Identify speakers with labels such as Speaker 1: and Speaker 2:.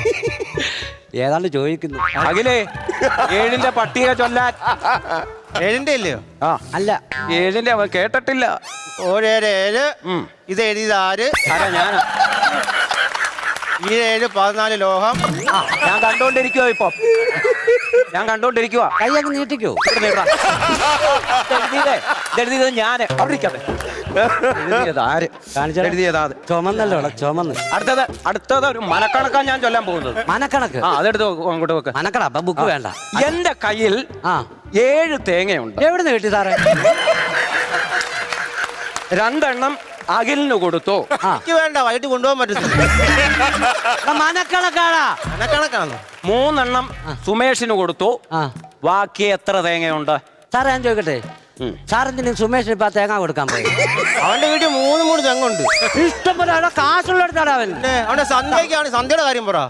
Speaker 1: ഏതാണ്ട് ചോദിക്കുന്നു.
Speaker 2: അഖിലേ 7ന്റെ പട്ടിക ചൊല്ലാൻ.
Speaker 3: 7ന്റെ ഇല്ലയോ?
Speaker 2: ആ
Speaker 1: അല്ല
Speaker 2: 7ന്റെ അവൻ കേട്ടിട്ടില്ല.
Speaker 3: 7 ഇത് എഴുതിയത് ആര്?
Speaker 2: ആരാ? ഞാനാ.
Speaker 3: ഈ 7 14 ലോഹം.
Speaker 2: ഞാൻ കണ്ടോണ്ടിരിക്കുവോ ഇപ്പൊ? ഞാൻ കണ്ടോണ്ടിരിക്കുവാ.
Speaker 1: കൈ അങ്ങ് നീട്ടിക്കോ.
Speaker 2: എഴുതിയത് ഞാന്. അവിടെ ഇരിക്കാതെ. എഴുതിയത് ആര്?
Speaker 1: കാണിച്ചാ
Speaker 2: എഴുതിയതാ അത്.
Speaker 1: ചുമന്നല്ലോ ചുമന്ന്.
Speaker 2: അടുത്തത് ഒരു മനക്കണക്കാണ് ഞാൻ ചൊല്ലാൻ പോകുന്നത്.
Speaker 1: മനക്കണക്ക്.
Speaker 2: ആ അതെടുത്ത് അങ്ങോട്ട് വെക്ക്.
Speaker 1: മനക്കട അപ്പൊ ബുക്ക് വേണ്ട.
Speaker 2: എന്റെ കയ്യിൽ 7 തേങ്ങയുണ്ട്.
Speaker 1: എവിടുന്ന് കിട്ടി സാറേ?
Speaker 2: 2 എണ്ണം അഖിലിന് കൊടുത്തു.
Speaker 3: എനിക്ക് വേണ്ട, വൈകിട്ട് കൊണ്ടുപോകാൻ പറ്റത്തില്ല.
Speaker 1: മനക്കണക്കാടാ.
Speaker 3: മനക്കണക്കാണോ?
Speaker 2: 3 എണ്ണം സുമേഷിന് കൊടുത്തു. ബാക്കി എത്ര തേങ്ങയുണ്ട്?
Speaker 1: സാറേ ഞാൻ ചോദിക്കട്ടെ, സാറെന്തിനും സുമേഷിന് ഇപ്പൊ തേങ്ങ കൊടുക്കാൻ പോയി?
Speaker 3: അവന്റെ വീട്ടിൽ 3 തെങ്ങുണ്ട്.
Speaker 1: ഇഷ്ടംപോലെ കാശുള്ള എടുത്താടാ അവൻ.
Speaker 3: അവന്റെ സന്ധ്യക്കാണ്. സന്ധ്യയുടെ കാര്യം പറ.